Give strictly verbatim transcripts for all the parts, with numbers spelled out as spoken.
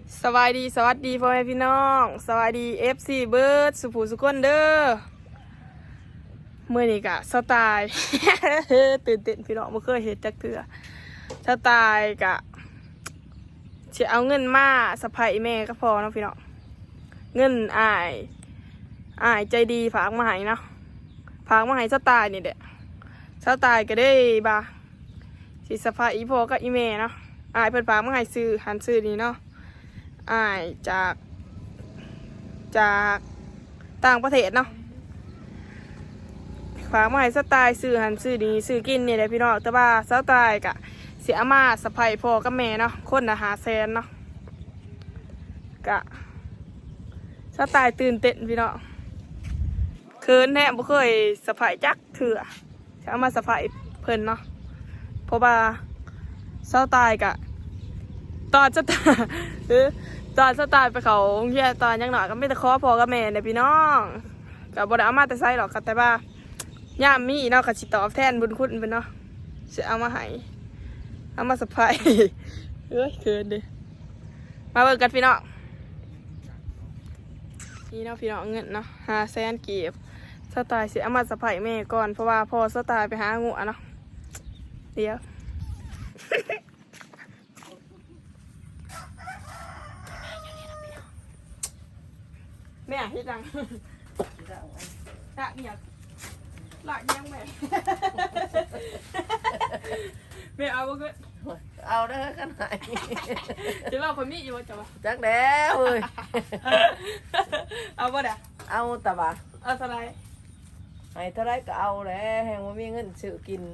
สวัสดีสวัสดีพ่อแม่พี่น้องสวัสดีเอฟซีเบิร์ดสุภูสุกคนเด้อเมื่อนี้กะสไตล์ ตื่นเต้นพี่น้องไม่เคยเห็นจักเถื่อสไตล์กะจะเอาเงินมาสะพายแม่ก็พอเนาะพี่น้องเงินอายอายใจดีฝากมาให้เนาะฝากมาให้สไตล์นี่เด็สไตล์ก็ได้บาสิสะพายอีพ่อกับอีแม่เนาะอายเพิ่นฝากมาให้ซื้อหันซื้อนี่เนาะอายจากจากต่างประเทศเนาะฝากมาให้สไตล์ซื้อหันซื้อดีซื้อกินนี่แหละพี่น้องแต่ว่าสไตล์กะเสียมาสะพายพ่อกับแม่เนาะคนละหาแสนเนาะกะสไตล์ตื่นเต้นพี่น้องเคินแน่บ่เคยสะพายจักเถื่อเสียมาสะพายเพิ่นเนาะเพราะว่าสไตล์กะตอนสไตล์ตอนสไตล์ไปเขาเฮียตอนยังหน่อยก็ไม่แต่ขอพ่อกับแม่เนี่ยพี่น้องกับบไดเอามาแต่ไซหรอกค่ะแต่ว่าย่ามมีเนาะกับสิตอบแทนบุญคุณเป็นเนาะจะเอามาให้เอามาสะพายเฮ้ยเกินดิมาเบิกกันพี่น้องนี่เนาะพี่น้องเงินเนาะหาแสนเก็บสไตล์เสียเอามาสะพายแม่ก่อนเพราะว่าพอสไตล์ไปหางูเนาะเดี๋ยวแม่ที่ดังละเมียละยังแม่แม่เอาบ่เกินเอาได้ขนาดจะว่าคนนี้อยู่ว่าจะว่าจักแล้วเว้ยเอาบ่ได้เอาแต่ว่าเอาเท่าไรให้เท่าไรก็เอาแหละแหงว่ามีเงินซื้อกิน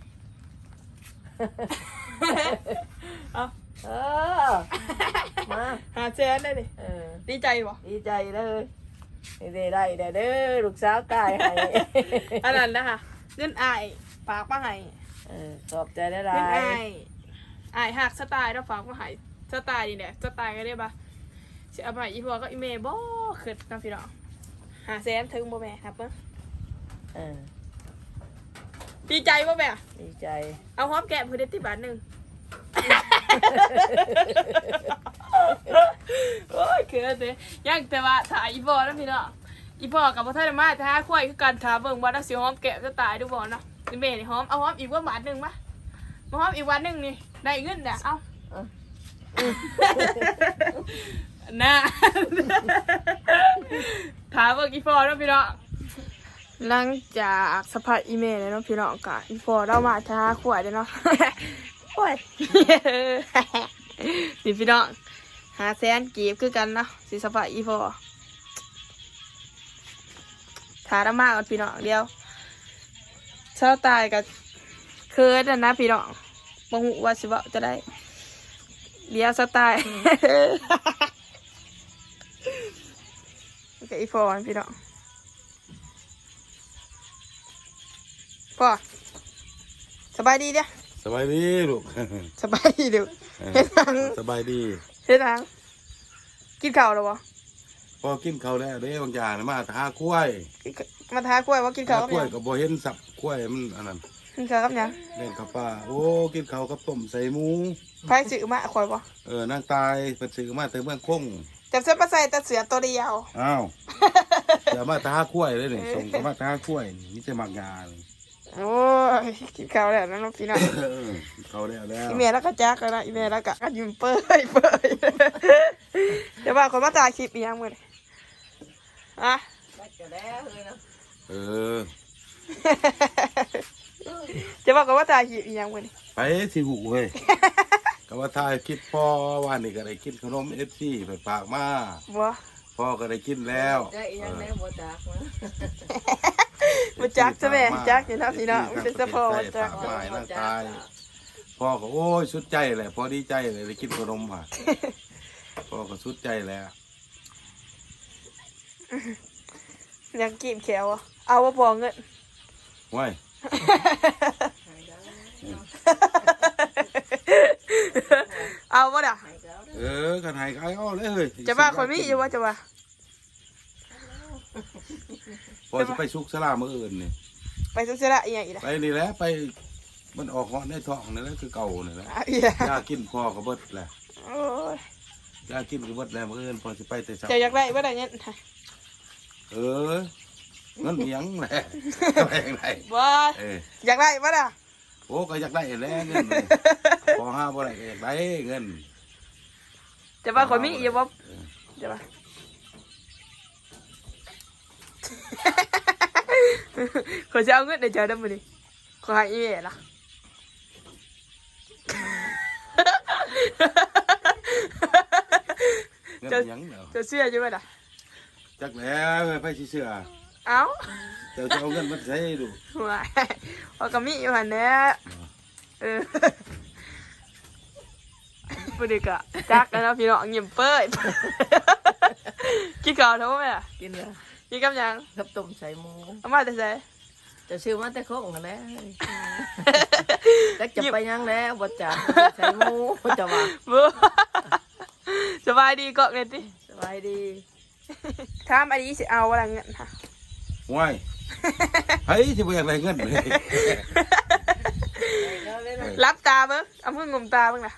เอาเออมาหาแสนได้ดิเออดีใจบ่ดีใจเลยได้ได้ได้เด้อลูกสาวตายให้อันนั้นนะคะเงินอายฝากมาให้เออขอบใจได้หลายเงินอายอายหักสไตล์แล้วฝากมาให้สไตล์นี่แหละสไตล์ก็ได้ปะสิเอาไปอีพ่อก็อีเมย์บ่ขึ้นนะพี่น้องหาแสนถึงบ่แม่ครับเบิ่งเออดีใจบ่แม่ดีใจเอาหอมแก้มเพิ่นได้ติบาทนึงโอ้ยคือเด้ยังแต่ว่าถ่ายอีพ่อนะพี่น้องอีพ่อกับพ่อท่านมาท้าควายคือกันท้าเบิ่งว่าถ้าสิหอมแก้มจะตายดูบ่เนาะอีเมย์นี่หอมเอาหอมอีกว่าบาทนึงมามาหอมอีกวันนึงนี่ได้เงินน่ะเอาน่าถามว่าอีฟอร์น้องพี่น้องหลังจากสภาพอีเมลเลยน้องพี่น้องกะอีฟอร์เรามาท้าขวดเลยเนาะขวดนี่พี่น้องหาแสนกีบคือกันเนาะสิสภาพอีฟอร์ท้าเรามากกันพี่น้องเดียวเช้าตายกับเคิร์ดนะพี่น้องบางหูว่าสิบ่จะได้เดี๋ยวสไตล์โอเคอีฟอนพี่น้องพ่อสบายดีเด้อสบายดีลูกสบายดีเด้อเฮ็ดทางสบายดีเฮ็ดทางกินข้าวแล้วบ่พอกินข้าวแล้วเด้บางอย่างมาทาคุ้ยมาทาคุ้ยว่ากินข้าวกับหยังคุ้ยกับบ่เห็นสับคุ้ยมันอันนั้นกินข้าวกับหยังเล่นกับปลาโอ้กินข้าวกับต้มใส่หมูไผซื้อมาข่อยบ่เออนางตายเพิ่นซื้อมาแต่เมืองคงจับเสื้อมาใส่แต่เสือตัวเดียวอ้าวอย่ามาทาคุ้ยเลยนี่ส่งก็มาทาคุ้ยนี่มีแต่มักงานโอ้ยกินข้าวแล้วนะน้องพี่น้องข้าวแล้วแล้วอีเมลแล้วก็จักแล้วนะอีเมลแล้วก็ยิ้มเปื่อยเปื่อยเดี๋ยวว่าคนมาถ่ายคลิปอีหยังมื้อนี้อ่ะเออจะบอกกันว่าถ่ายคลิปอีหยังมื้อนี้ไปสิหูเว้ยก็ว่าถ่ายคลิปพ่อว่านี่ก็ได้กินขนม เอฟ ซี ไปฝากมาบ่พ่อก็ได้กินแล้วได้อีหยังแล้วบ่จักนะบ่จักซะแม่จักอยู่นะพี่น้องเป็นซะพ่อบ่จักฝากมาให้นางตายพ่อก็โอ้ยสุดใจแหละพ่อดีใจเลยได้กินขนมอ่ะพ่อก็สุดใจแล้วยังกินแขวเอาว่าพอเงินว้ยเอาว่าด่ะเออกันหายก็เอาเลยเฮ้ยจะว่าคนนี้อยู่ว่าจะว่าพอจะไปซุกสลาเมื่ออื่นนี่ไปซุกสลาอีกอย่างอีกไปนี่แหละไปมันออกเหาะในท้องนี่แหละคือเก่านี่แหละยากินพ่อก็เบิดแหละโอ้ยยากินก็หมดแล้วมื้ออื่นพอสิไปแต่เช้าเจะอยากได้บ่ได้เงี้ยเออเงินเหียงแหละไปจังไดบ่เอออยากได้บ่ล่ะโอ้ก็อยากได้แหล้วเงินเลยพอห้าบ่ได้ก็อยากได้เงินจะว่าคนมีอยู่บ่จะว่าขอจะเอาเงินเดี๋ยวเจอได้มื้อนี้ขอให้อีเอ๋ล่ะเงินเหียงเนาะจะเชื่ออยู่บ่ล่ะจักแล้วไปสิเชื่อเอ้าเจ้าจะเอาเงินมาใช้ดูว้ายว่าก็มีอยู่หั่นแหละเออบ่ได้กะจักแล้วเนาะพี่น้องยิ้มเป้ยกินข้าวเท่าไหร่อ่ะกินเลยกินกับหยังกับต้มใส่หมูเอามาแต่ไสจะซื้อมาแต่โคงกันแล้วจักจะไปยังแล้วบ่จ่าใส่หมูจะว่าบ่สบายดีเกาะเงินติสบายดีถามอันนี้สิเอาอะไรเงินค่ะว้ายเฮ้ยสิบ่อยากได้เงินเลยรับตาเบิ่งเอามืองมตาเบิ่งน่ะ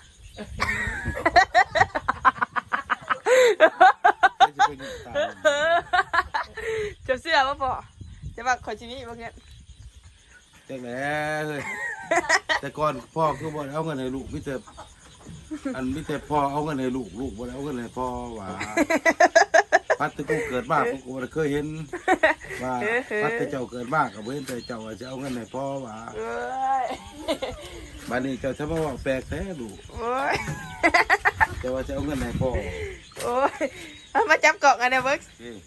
จะเสื้อบ่พอจะว่าขอชีวิตบ่เงี้ยจักแล้วเฮ้ยแต่ก่อนพ่อคือบ่ได้เอาเงินให้ลูกมีแต่อันมีแต่พ่อเอาเงินให้ลูกลูกบ่ได้เอาเงินให้พ่อว่าพัดแต่กูเกิดมากูก็บ่ได้เคยเห็นว่าพัดแต่เจ้าเกิดมาก็บ่เห็นแต่เจ้าว่าจะเอาเงินให้พ่อว่าเอ้ยบัดนี้เจ้าถ้ามาว่าแปลกแท้ลูกโอ้ยเจ้าว่าจะเอาเงินให้พ่อโอ้ยเอามาจับเกาะกันเด้อเบิ่งเอ้ย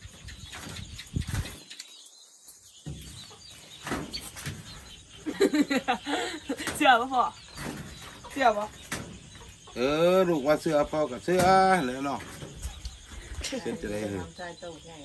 เสื้อบ่พอเสื้อบ่เออลูกว่าเสื้อพ่อกับเสื้อแล้วเนาะเสร็จจะได้เลยทำใจโตใหญ่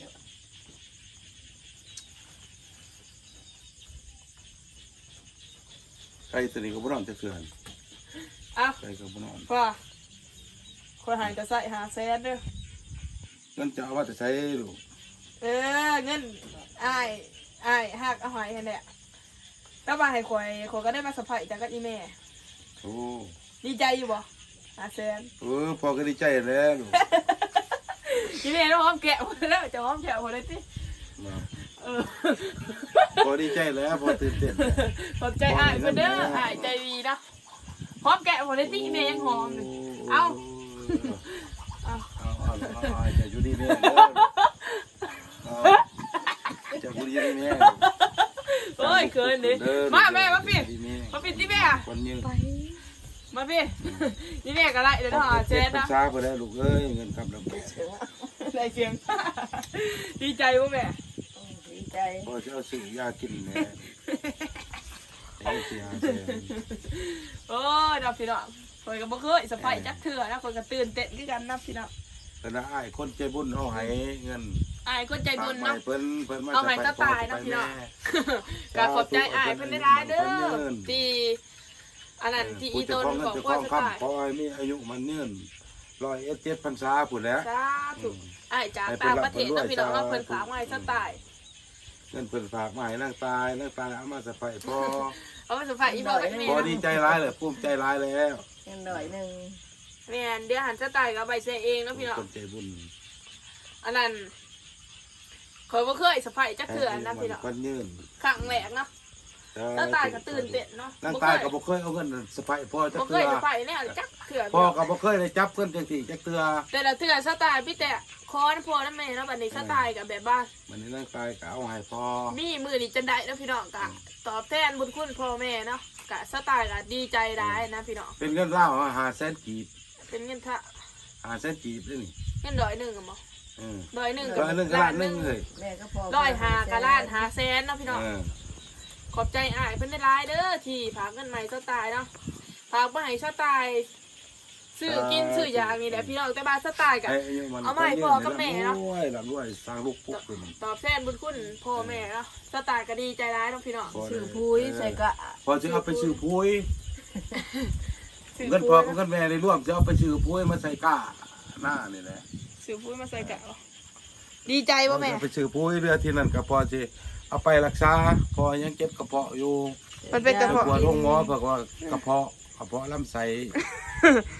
ไก่ตัวนี้ก็บ่นอนจะเสื่อนเอ้าไก่ก็บ่นอนพอคนหายจะใส่หาแสนเด้อเงินจะเอาว่าจะใช้ลูกเออเงินอ้ายอ้ายหักเอาหอยให้แหละแล้วมาให้ข่อยข่อยก็ได้มาสัมผัสจากกับอีแม่โอ้ดีใจอยู่บ่หาแสนเออพ่อก็ดีใจแล้วลูกอีแม่ต้องหอมแกะหมดแล้วจะหอมแกะหมดเลยติมาเออพอดีใจแล้วพอตื่นเต้นขอบใจอ้ายเพิ่นเด้ออ้ายใจดีนะหอมแกะหมดเลยติอีแม่ยังหอมเลยเอาเอาเอาเอาเอาจะอยู่ดีแม่เด้อเอาจะอยู่ดีแม่โอ้ยเกินดิมาแม่มาพี่มาพี่ที่แม่คนยืนมาพี่นี่แม่ก็ไล่เดี๋ยวต้องหาเจ๊นะช้าไปได้ลูกเอ้ยเงินกำลังได้เสียงดีใจป่ะแม่ดีใจพอจะเอาซื้อยากินแม่เอาเสียเสียโอ้ยนับพี่น้องคอยก็บ่เคยสะพายจักเถื่อนะคอยก็ตื่นเต้นคือกันนับพี่น้องแต่ละไอ้คนใจบุญเอาให้เงินอายคนใจบุญเนาะเพิ่นเพิ่นมาเอาให้ก็ตายเนาะพี่น้องก็ขอบใจอายเพิ่นได้ร้ายเด้อที่อันนั้นที่อีต้นบอกว่าจะตายขอให้มีอายุมันยืนร้อยเอ็ดเจ็ดพรรษาพุ่นแหล้วสาธุอายจากต่างประเทศเนาะพี่น้องเนาะเพิ่นฝากมาให้ซะตายเงินเพิ่นฝากมาให้นางตายนางตายเอามาสะไพพอเอามาสะพายอีบอกกับแม่พอดีใจร้ายเลยภูมิใจร้ายแล้วยังหน่อยหนึ่งแม่นเดี๋ยวหันซะตายก็ใบเซเองเนาะพี่น้องคนใจบุญอันนั้นคอยบ่เคยสะพายจักเถื่อนะพี่น้องคนยืนครั้งแรกเนาะแล้วตายก็ตื่นเต้นเนาะนางตายก็บ่เคยเอาเงินสะไพพ่อจักบ่เคเทื่ยอสะพายแน่จักเถื่อพ่อก็บ่เคยได้จับเพิ่นจังซี่จักเทื่อแต่ละเถื่อสะตายพี่แต่คอนพ่อนั่นแม่เนาะบัดนี้สะตายกับแบบว่ามันนี่นางตายก็เอาให้พ่อมีมือนี่จันได้เนาะพี่น้องกะตอบแทนบุญคุณพ่อแม่เนาะกะสะตายกะดีใจได้นะพี่น้องเป็นเงินลาวห้าแสนกีบเป็นเงินทะห้าแสนกีบเด้นี่เงินร้อยหนึ่งอะมั้งเออร้อยหนึ่งก็อันนึงก็ล้านหนึงเลยแม่ก็พอร้อยหากะล้านหาแสนเนาะพี่น้องเออขอบใจอ้ายเพิ่นได้ร้ายเด้อที่ฝากเงินใหม่สไตล์เนาะฝากมาให้สไตล์ซื้อกินซื้อยานี่แหละพี่น้องแต่บ้านสไตล์กับให้อายุมันเอามาให้พ่อกับแม่เนาะรวยร่ำรวยสร้างลูกปุ๊กขึ้นตอบแทนบุญคุณพ่อแม่เนาะสไตล์ก็ดีใจร้ายเนาะพี่น้องซื้อพุ้ยใส่กะพอจะเอาไปซื้อพุ้ยซื้เงินพ่อกับเงินแม่ในร่วมจะเอาไปซื้อพุ้ยมาใส่ก้าหน้านี่แหละซื้อปุ้ยมาใส่กะเอาดีใจป่ะแม่เอาไปซื้อพุ้ยเรือที่นั่นก็พอจะเอาไปรักษาพอยังเจ็บกระเพาะอยู่มันเป็นกระไปเพาะปวดห้องหมอบอกว่ากระเพาะกระเพาะลำไส้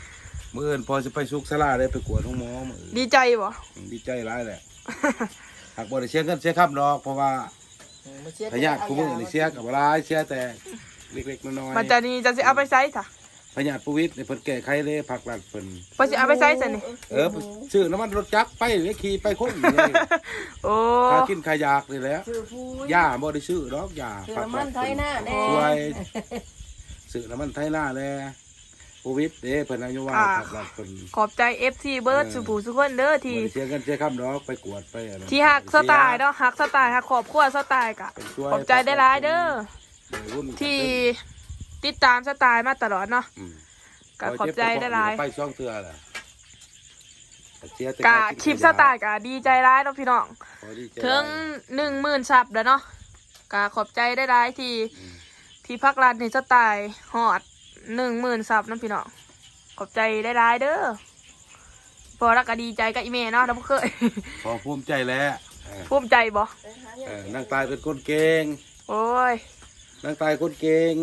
มื้ออื่นพอจะไปสุกสลาได้ไปกวดห้องหมอมื้ออื่นดีใจบ่ดีใจร้ายแหละ หากบ่ได้เสียเงินเสียค่าดอกเพราะว่าพยาธิผู้มือนี่เสียกับร้ายเสียแต่เล็กๆน้อยมันจะนี่จะสิเอาไปใช้จ้ะๆพยาธิผู้วิทย์นี่เพิ่นแก้ไขเลยผักหลัดเพิ่นเพิ่นสิเอาไปใช้ซะนี่เออซื้อน้ำมันรถจักรไปเลยขี่ไปคนเลยโอ้ค่ากินค่ายากนี่แหละซื้อผู้ยาบ่ได้ซื้อดอกยาซื้อน้ำมันไทยหน้าแน่ช่วยซื้อน้ำมันไทยหน้าแลผู้วิทย์เด้เพิ่นอายุว่าผักหลัดเพิ่นขอบใจ เอฟ ซี เบิร์ดสุผู้สุคนเด้อบ่ที่ได้เสียเงินเสียค่าดอกไปกวดไปอะไรที่ฮักสไตล์เนาะฮักสไตล์ฮักครอบครัวสไตล์กะเป็นช่วยขอบใจได้หลายเด้อวัยรุ่นที่ติดตามสไตล์มาตลอดเนาะอืมก็ขอบใจได้หลายไปช่องเตือแหละเสียแต่กะารกินคลิปสไตล์กะดีใจร้ายเนาะพี่น้องขอดีใจถึงหนึ่งหมื่นซับแล้วเนาะกะขอบใจได้หลายที่อืมที่พักร้านในสไตล์ฮอดหนึ่งหมื่นซับเนาะพี่น้องขอบใจได้หลายเด้อพอแล้วก็ดีใจกับอีเมเนาะเราบ่เคยขอภูมิใจแล้วเออภูมิใจบ่เออนางตายเป็นคนเก่งโอ้ยนางตายคนเก่ง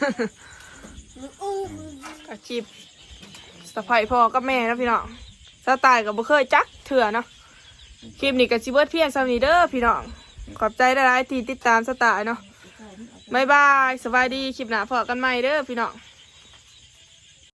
อาชีพสะใภ้พ่อกับแม่เนาะพี่น้องสไตล์ก็บ่เคยจักเถื่อเนาะคลิปนี้ก็สิเบิดเพียงซำนี้เด้อพี่น้องขอบใจได้หลายที่ติดตามสไตล์เนาะบ๊ายบายสวัสดีคลิปหน้าพอกันใหม่เด้อพี่น้อง